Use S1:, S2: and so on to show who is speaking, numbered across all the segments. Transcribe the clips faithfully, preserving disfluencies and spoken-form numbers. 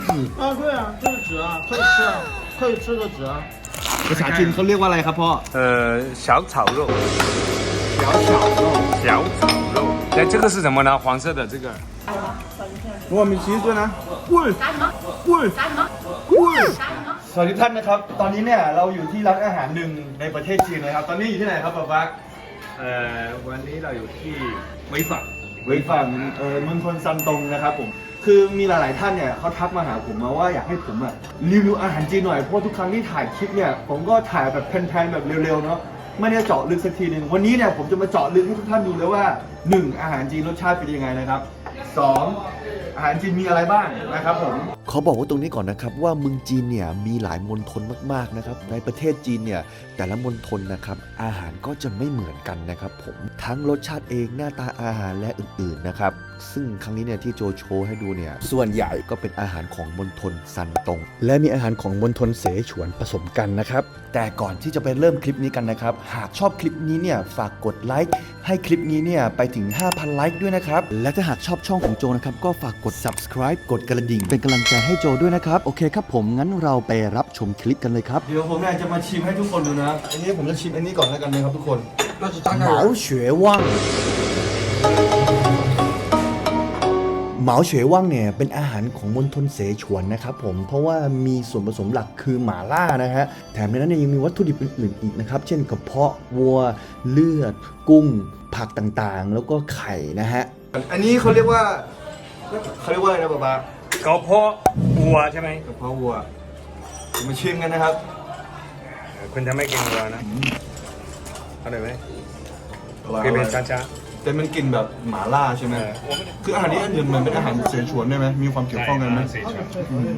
S1: 纸
S2: 啊，对啊，这是纸啊，可以吃啊，可以吃的纸啊。
S1: ภาษาจีนเขาเรียกว่าอะไรครับพ่อ
S3: 呃，小炒肉，
S1: 小炒肉
S3: 小炒肉。哎，这个是什么呢？黄色的这个。
S1: รวมมีชีสด้วยนะอุ้ยอุ้ยอุ้ยสวัสดีท่านนะครับตอนนี้เนี่ยเราอยู่ที่ร้านอาหารหนึ่งในประเทศจีนนะครับตอนนี้อยู่ที่ไหนครับป๊าป๊า
S3: 呃，วันนี้เราอยู่ที่潍坊。
S1: เวยฝั่งเอ่อมณฑลซันตงนะครับผมคือมีหลายๆท่านเนี่ยเขาทักมาหาผมมาว่าอยากให้ผมอ่ะรีวิวอาหารจีนหน่อยเพราะทุกครั้งที่ถ่ายคลิปเนี่ยผมก็ถ่ายแบบแพนๆแบบเร็วๆเนาะไม่ได้เจาะลึกสักทีหนึ่งวันนี้เนี่ยผมจะมาเจาะลึกให้ทุกท่านดูเลยว่าหนึ่งอาหารจีนรสชาติเป็นยังไงนะครับสองอาหารจีนมีอะไรบ้างนะครับผมขอบอกว่าตรงนี้ก่อนนะครับว่าเมืองจีนเนี่ยมีหลายมณฑลมากๆนะครับในประเทศจีนเนี่ยแต่ละมณฑลนะครับอาหารก็จะไม่เหมือนกันนะครับผมทั้งรสชาติเองหน้าตาอาหารและอื่นๆนะครับซึ่งครั้งนี้เนี่ยที่โจโชว์ให้ดูเนี่ยส่วนใหญ่ก็เป็นอาหารของมณฑลซันตงและมีอาหารของมณฑลเสฉวนผสมกันนะครับแต่ก่อนที่จะไปเริ่มคลิปนี้กันนะครับหากชอบคลิปนี้เนี่ยฝากกดไลค์ให้คลิปนี้เนี่ยไปถึง ห้าพัน ไลค์ด้วยนะครับและถ้าหากชอบช่องของโจนะครับก็ฝากกด subscribe กดกระดิ่งเป็นกำลังใจให้โจด้วยนะครับโอเคครับผมงั้นเราไปรับชมคลิปกันเลยครับเดี๋ยวผมเนี่ยจะมาชิมให้ทุกคนดูนะอันนี้ผมจะชิมอันนี้ก่อนแล้วกันนะครับทุกคนเหมาเฉวว่างเหมาเฉวว่างเนี่ยเป็นอาหารของมณฑลเสฉวนนะครับผมเพราะว่ามีส่วนผสมหลักคือหม่าล่านะฮะแถมในนั้นเนี่ยยังมีวัตถุดิบอื่นๆอีกนะครับเช่นกระเพาะวัวเลือดกุ้งผักต่างๆแล้วก็ไข่นะฮะอันนี้เขาเรียกว่าเขาเรียกว่าอะไรนะป๊าป๊ากระเพาะวัวใช่ไหมกระเพาะวัวมาชิมกันนะครับ
S3: คุณทำไม่กินวัวนะอร่อยไหม
S1: เผ็ดๆช้าๆแต่มันกลิ่นแบบหม่าล่าใช่ไหมคืออาหารนี้อันอื่นมันเป็นอาหารเสฉวนได้ไหมมีความเกี่ยวข้องกันไหม
S3: เสฉวน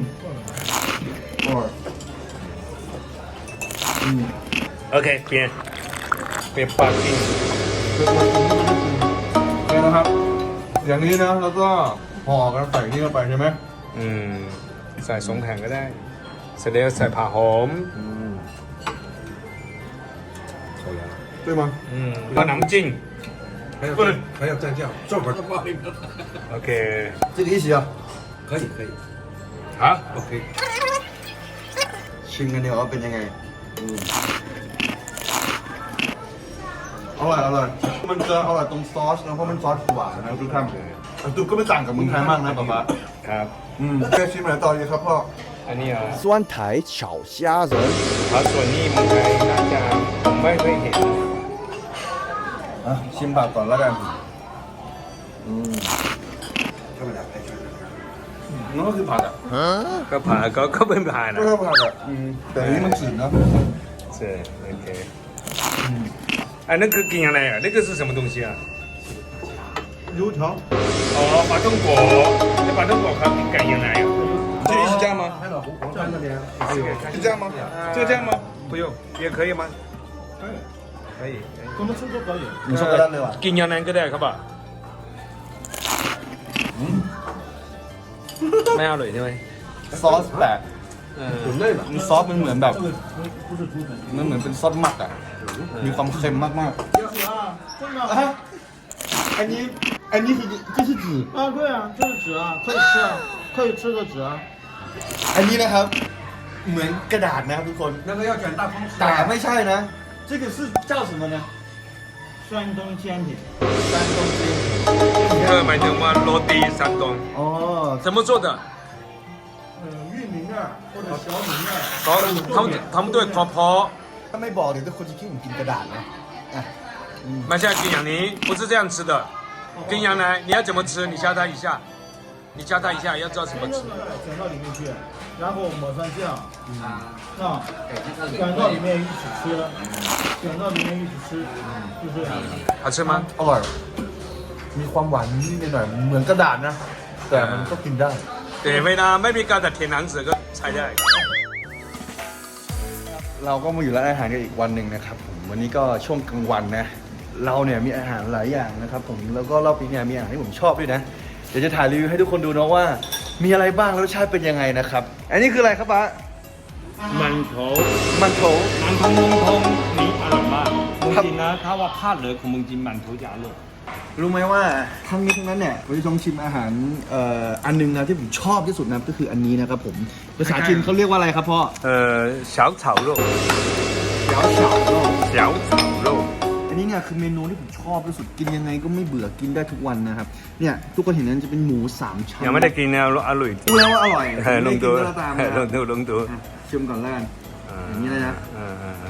S3: โอเคเปลี่ยนเปลี่ยนปากกิน
S1: นี่นะครับอย่างนี้นะแล้วก็ห่อกันใส่นี่เข้าไปใช่ไหม
S3: อืมใส่สงแข็งก็ได้เสร็จแล้วใส่ผ่าหอม
S1: 对吗？
S3: 嗯，把南京，
S4: 还要蘸还要蘸酱，这会儿不好意思。
S3: OK，
S1: 这个一起啊？
S4: 可以可以，
S3: 好，OK。
S1: ชิมกันเดี๋ยวว่าเป็นยังไงอร่อยอร่อยมันจะอร่อยตรงซอสนะเพราะมันซอสหวานนะทุกท่านตุ๊กก็ไม่ต่างกับเมืองไทยมากนะป๊าป๊า
S3: ครับ
S1: อืมแค่ชิมอะไรต่อดีครับพ่อ
S3: อันนี้อ่ะ
S1: 酸台炒虾仁
S3: ครับส่วนนี้เมืองไทยน่าจะผมไม่เคยเห็น
S1: อ่ะชิมผักก่อนแล้วกันอืมนั่นก็คือผักอ่ะ
S3: ก็ผ่าก็ก็เป็นผ่านะ
S1: ก็ผักอ่ะแต่นี้มันจืดนะ
S3: ใช่โอเคอันนั้นคือกินอะไรอ่ะ那个是什么东西啊
S1: 油条
S3: 哦ปลาท่องโก那ปลาท่องโกเขากินกันยังไงอ่ะ
S4: 这里是这样吗？
S1: 是这样吗？
S4: 就这样吗？
S3: 不用也可以吗
S2: 可以，
S3: 可以
S2: 怎么吃都可以。
S1: 你说个蛋对吧
S3: กินยังไงก็ได้ครับป่ะไม่อร่อยใช่ไหม
S1: ซอสแปลก
S4: 很累了。
S1: ซอสมันเหมือนแบบมันเหมือนเป็นซอสหมักอ่ะมีความเค็มมากๆอันนี้อันนี้คือ这是纸
S2: 啊，对啊，这是纸啊，可以吃啊，可以吃的纸啊。
S1: อันนี้นะครับเหมือนกระดาษนะครับทุกคน
S4: 那个要卷大方
S1: แต่ไม่ใช่นะ这个是叫什么呢
S2: 山东煎饼。
S1: 山东煎
S3: เออหมายถึงว่าโรตี山东
S1: 哦
S3: 怎么做的
S2: 嗯，玉米面或者小米面。
S3: เขาเขาทำด้วยกระเพาะ
S1: ถ้าไม่บอกเดี๋ยวทุกคนจะคิดผมกินกระดาษนะอ่ะ
S3: ไม่ใช่กินอย่างนี้不是这样吃的กินอย่างไร你要怎么吃你教他一下你教他一下要知道怎么吃
S2: 卷到里面去然后抹上酱啊卷到里面一起吃卷到里面一起吃就这样
S3: 好吃吗
S1: อร่อยมีความหวานนิดหน่อยเหมือนกระดาษนะแต่มันก็กินได้
S3: แต่เวลาไม่มีการแต่เทียนหนังสือก็ใช้ได้
S1: เราก็มาอยู่ร้านอาหารกันอีกวันหนึ่งนะครับผมวันนี้ก็ช่วงกลางวันนะเราเนี่ยมีอาหารหลายอย่างนะครับผมแล้วก็รอบนี้เนี่ยมีอาหารที่ผมชอบด้วยนะเดี๋ยวจะถ่ายรีวิวให้ทุกคนดูนะว่ามีอะไรบ้างรสชาติเป็นยังไงนะครับอันนี้คืออะไรครับป๊า
S5: มันโถ
S1: มันโถ
S5: มันทงมงทงนี่อร่อยมากเมืองจีนนะถ้าว่าภาคเหนือของเมืองจีนมันโถจะอร่อย
S1: รู้ไหมว่าทั้งนี้ทั้งนั้นเนี่ยผมจะต้องชิมอาหารเอ่ออันหนึงนะที่ผมชอบที่สุดนะก็คืออันนี้นะครับผมภาษาจีนเขาเรียกว่าอะไรครับพ่อ
S3: 呃，小炒肉，
S1: เดี๋ยวเฉาเนาะ
S3: 小炒肉，
S1: อันนี้เนี่ยคือเมนูที่ผมชอบที่สุดกินยังไงก็ไม่เบื่อกินได้ทุกวันนะครับเนี่ยทุกคนเห็นนั้นจะเป็นหมูสามชั้น
S3: 有冇得見啊？阿雷，
S1: รู้แล้วว่าอร่อย
S3: 係
S1: ไม่
S3: 弄
S1: กิน
S3: 到
S1: ก็แล้วตามนะ
S3: 係
S1: ครับ
S3: 弄到弄到，
S1: อ่ะชิมก่อนแล้วกัน อย่างนี้เลยนะ
S3: 嗯嗯嗯，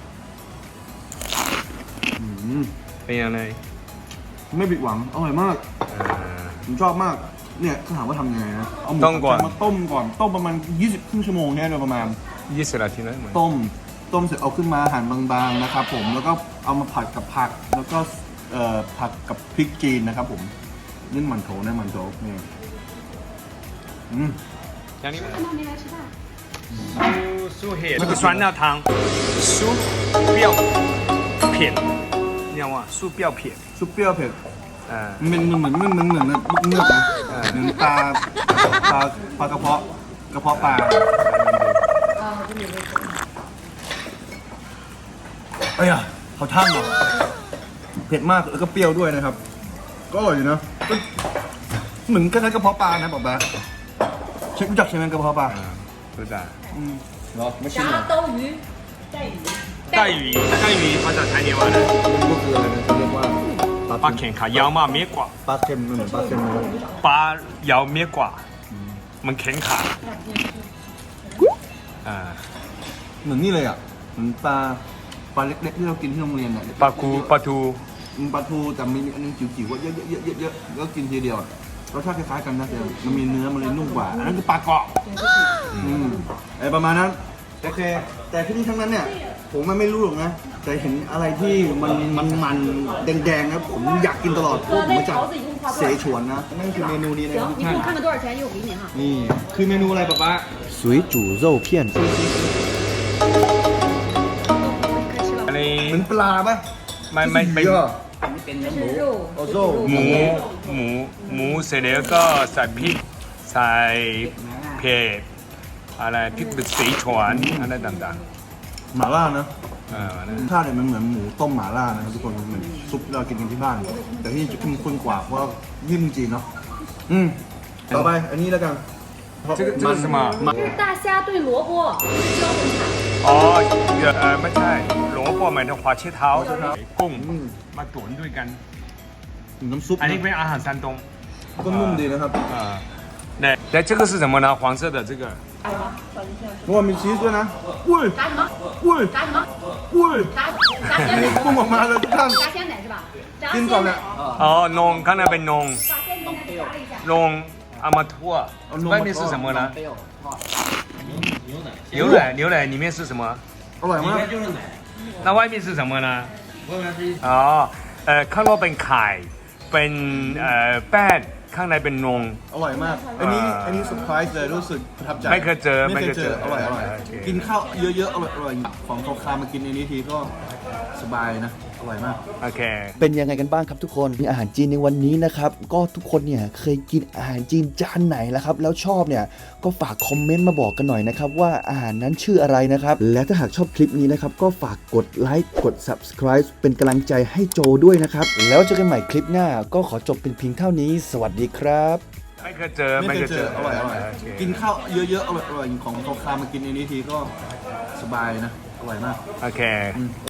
S1: อืม
S3: เป็นยังไง
S1: ไม่ผิดหวังอร่อยมาก
S3: 呃，
S1: ผมชอบมากเนี่ยถ้าถามว่าทำยังไงนะเอาหมู
S3: ต้มก่อน
S1: สามชั้มาต้มก่อนต้มประมาณยี่สิบครึ่งชั่วโมงเนี่ยโดยประมาณ
S3: ยี่สิบนาทีนะเหมือน
S1: ต้มต้มเสร็จเอาขึ้นมาหั่นบางๆนะครับผมแล้วก็เอามาผัดกับผักแล้วก็เอ่อผัดกับพริกจีนนะครับผมนี่หมันโถนะหมันโถนี่อืม
S3: อย่างนี้
S6: 干嘛没来吃饭？
S3: 酥酥黑这个酸辣汤，酥膘片，你知道吗？酥膘片，
S1: ซุปเปรี้ยวเผ็ด
S3: 呃，
S1: มันเหมือนมันเหมือนมันเหมือนมันเนื้อนะ
S3: เออ
S1: เหมือนปลาปลาปลากระเพาะกระเพาะปลา
S6: 啊，这里没吃。
S1: เอ้ยอะเขาท่ำเหรอเผ็ดมากแล้วก็เปรี้ยวด้วยนะครับ ก็อร่อยอยู่นะก็เหมือนคล้ายๆกระเพาะปลานะบอกแบบเชฟรู้จักใช่ไหมกระเพาะปลา
S3: 嗯，不是啊。
S1: อืมเหรอไม่ใช่เหรอ
S6: 炸兜鱼，带鱼，
S3: 带鱼，带鱼ภาษาไทยเรียกว่าอะไร
S1: ก็คืออะไรนะเขาเรียกว่า
S3: ปลาเข็งขายาวมากเมียกว่า
S1: ปลาเค็มมันเหมือนปลาเค็มเลย
S3: ปลายาวเมียกว่า มันแข็งขาอ่า
S1: เหมือนนี่เลยอ่ะเหมือนปลาปลาเล็กๆที่เรากินที่โรงเรียนอ่ะ
S3: ปลาคูปลาทู
S1: มันปลาทูแต่มีอันนึงจิ๋วๆว่าเยอะๆๆๆแล้วกินทีเดียวอะรสชาติคล้ายๆกันนะแต่มันมีเนื้อมันเลยนุ่มกว่าอันนั้นคือปลากรอบอืมไอประมาณนั้นโอเคแต่ที่นี่ทั้งนั้นเนี่ยผมมันไม่รู้หรอกนะแต่เห็นอะไรที่มันมันมันแดงๆนะผมอยากกินตลอดเพราะผมมาจากเสฉวนนะนั่นคือเมนูนี้นะทุก
S6: 行，你给
S1: ท่าน
S6: 我看看多少钱，一会儿给你哈。
S1: นี่คือเมนูอะไรป๊าป๊า水煮肉片
S3: อันนี้
S1: เหมือนปลาปะ
S3: ไม่ไม่ไม่
S1: เยอะ
S6: 这是肉，
S1: โอ้
S6: 这
S1: โห
S6: 是肉
S3: หมูหมูหมูเสร็จแล้วก็ใส่พริกใส่เผ็ดอะไรพริกเป็นสีฉวนอะไรต่าง
S1: หม่าล่านะ
S3: ๆอ่านะ
S1: รสชาติเนี่ยมันเหมือนหมูต้มหม่าล่านะครับทุกคนเหมือนซุปที่เรากินกันที่บ้าน แต่ที่จะเข้มข้นกว่าเพราะว่านี่เมืองจีนเนาะอืมต่อไปอันนี้แล้วกัน
S3: 这个这个是什么？
S6: 这是大虾炖萝卜，这是胶粉菜。
S3: อ๋อเออไม่ใช่หลวงพ่อหมายถึงหัวเชี่ยเท้ากุ้งมาตุ๋นด้วยกัน
S1: น้ำซุป
S3: อันนี้เป็นอาหาร山东
S1: ก็นุ่มดีนะครับ
S3: 啊。那那这个是什么呢？黄色的这个
S1: เพราะว่ามีชีสด้วยนะอุ้ย
S6: 炸什么？
S1: อุ้ย
S6: 炸什么？
S1: อุ้ย
S6: 炸炸鲜奶，
S1: พุ่งออกมาเลยทุกท่าน
S6: 炸鲜奶是吧？炸
S1: กิน
S6: 鲜
S1: ก่อนเนี่ย
S6: 奶，
S3: 哦，弄刚才被弄
S6: 把鲜奶给炸了一下。
S3: 弄阿玛托，外面是什么呢？牛奶，牛奶里面是什么？
S1: อร่อยมาก
S3: 那外面是什么呢？อ๋อเอ่อข้างนอกเป็นไข่เป็นเอ่อแป้งข้างในเป็นนม
S1: อร่อยมาก อันนี้อันนี้เซอร์ไพรส์เลยรู้สึกประทับใจ
S3: ไม่เคยเจอ
S1: ไม่เคยเจอ
S3: ไม่
S1: อ
S3: เค
S1: ร่อย
S3: ยเจอ
S1: อร่อย
S3: โอเค
S1: กินข้าวเยอะๆอร่อยอร่อยของโซคามากินในนี้ทีก็สบายนะอร่อยมาก
S3: โอเค
S7: เป็นยังไงกันบ้างครับทุกคนมีอาหารจีนในวันนี้นะครับก็ทุกคนเนี่ยเคยกินอาหารจีนจานไหนแล้วครับแล้วชอบเนี่ยก็ฝากคอมเมนต์มาบอกกันหน่อยนะครับว่าอาหารนั้นชื่ออะไรนะครับและถ้าหากชอบคลิปนี้นะครับก็ฝากกดไลค์กด Subscribe เป็นกำลังใจให้โจด้วยนะครับแล้วเจอกันใหม่คลิปหน้าก็ขอจบเป็นเพียงเท่านี้สวัสดีครับ
S3: ไม่เคยเจอ
S1: ไม่เคยเจออร่อยอร่อย
S3: โเค
S1: กินข้าวเยอะๆอร่อยอร่อยของโซคามากินในนี้ทีก็สบายนะอร่อยมาก
S3: โอเค